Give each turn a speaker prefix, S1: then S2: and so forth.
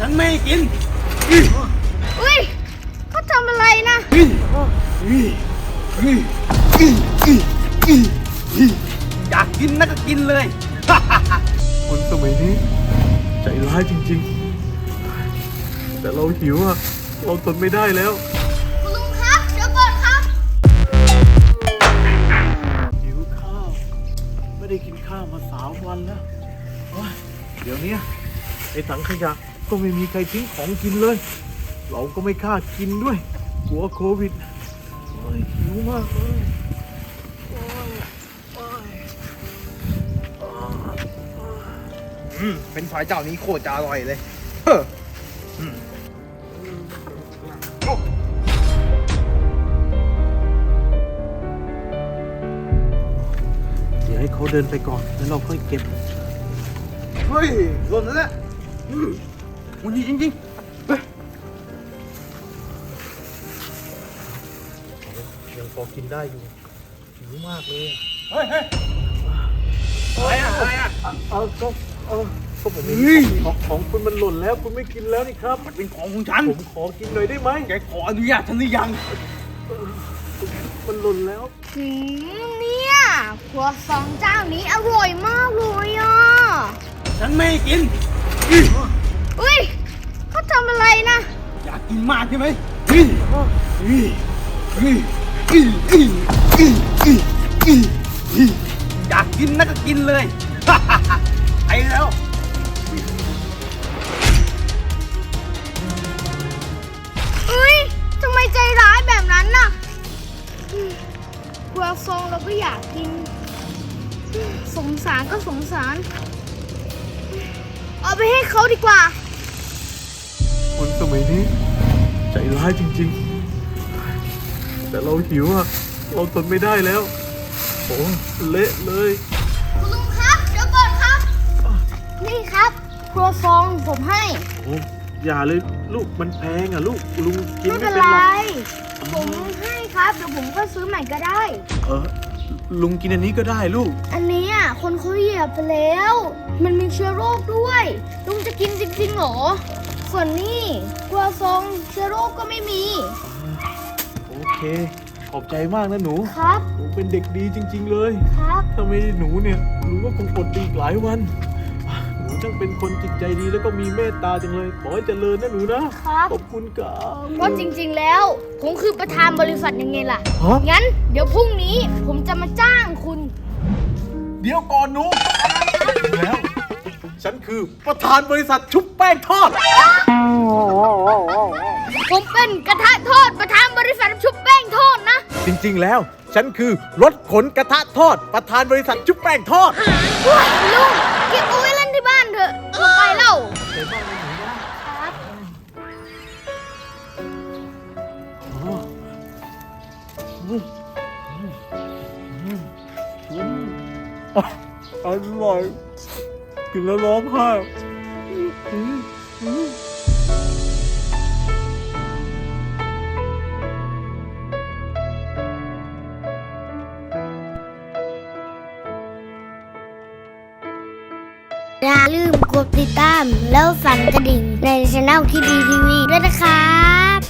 S1: ฉันไม่กิน
S2: อุ้ยเขาทำอะไรนะ
S1: อยากกินนะก็กินเลย
S3: คนสมัยนี้ใจร้ายจริงๆแต่เราหิวอะเราทนไม่ได้แล้ว
S2: คุณลุงครับเดี๋ยวก่อนครับ
S3: หิวข้าวไม่ได้กินข้าวมา3 วันแล้วเดี๋ยวนี้ไอ้ถังขยะก็ไม่มีใครทิ้งของกินเลย เราก็ไม่กล้ากินด้วยกลัวโควิดหิวมากเลย
S1: เป็นฝ่ายเจ้านี้โคตรจะอร่อยเลยเฮ้อ
S3: เดี๋ยวให้เขาเดินไปก่อนแล้วเราค่อยเก็บ
S1: เฮ้ยหล่นแล้วเนี่ยมันดีจริงๆเฮ้ย
S3: ยังพอกินได้อยู่หิวมากเลย
S1: เฮ้ยอะไรอ่ะ
S3: ก็ผมของคุณมันหล่นแล้วคุณไม่กินแล้วนี่ครับ
S1: มันเป็นของของฉัน
S3: ผมขอกินหน่อยได้ไหม
S1: แกขออนุญาตฉันหรือยัง
S3: มันหล่นแล้ว
S2: เนี่ยครัวซองเจ้านี้อร่อยมากเลยอ่ะ
S1: ฉันไม่กิน
S2: อุ้ยเขาทำอะไรนะ
S1: อยากกินมากใช่ไหมอยากกินนะก็กินเลยไปแล้ว
S2: อุ้ยทำไมใจร้ายแบบนั้นน่ะครัวซองเราก็อยากกินสงสารก็สงสารเอาไปให้เขาดีกว่า
S3: คนสมัยนี้ใจร้ายจริงๆแต่เราหิวอะเราทนไม่ได้แล้วโอ้เละเลย
S2: คุณลุงครับเดี๋ยวก่อนครับนี่ครับครัวซองผมให้
S3: โอ้อย่าเลยลูกมันแพงอะลูกลุงกินไม่เป็น
S2: ไร
S3: หรอก
S2: ผมให้ครับเดี๋ยวผมก็ซื้อใหม่ก็ได้
S3: ลุงกินอันนี้ก็ได้ลูก
S2: อันนี้อ่ะคนเขาเหยียบไปแล้วมันมีเชื้อโรคด้วยลุงจะกินจริงๆหรอส่วนนี้ครัวซองเชื้อโรคก็ไม่มี
S3: โอเคขอบใจมากนะหนู
S2: ครับ
S3: หนูเป็นเด็กดีจริงๆเลย
S2: ครับ
S3: ถ้าไม่หนูเนี่ยหนูก็คงอดดีอีกหลายวันหนูช่างเป็นคนจิตใจดีแล้วก็มีเมตตาจังเลยขอให้เจริญนะหนูนะครับขอบคุณครับ
S2: เพราะจริงๆแล้วผมคือประธานบริษัทยังไงล่ะงั้นเดี๋ยวพรุ่งนี้ผมจะมาจ้างคุณ
S3: เดี๋ยวก่อนหนูแล้วฉันคือประธานบริษัทชุบแป้งทอด
S2: ผมเป็นกระทะทอดประธานบริษัทชุบแป้งทอดนะ
S3: จริงๆแล้วฉันคือรถขนกระทะทอดประธานบริษัทชุบแป้งทอด
S2: ลุงเก็บเอาไว้เล่นที่บ้านเถอะไปเล่า
S3: อร่อยกินแล้วร้องไห้
S2: อย่าลืมกดติดตามแล้วสั่นกระดิ่งในช่องคิดดีทีวีด้วยนะครับ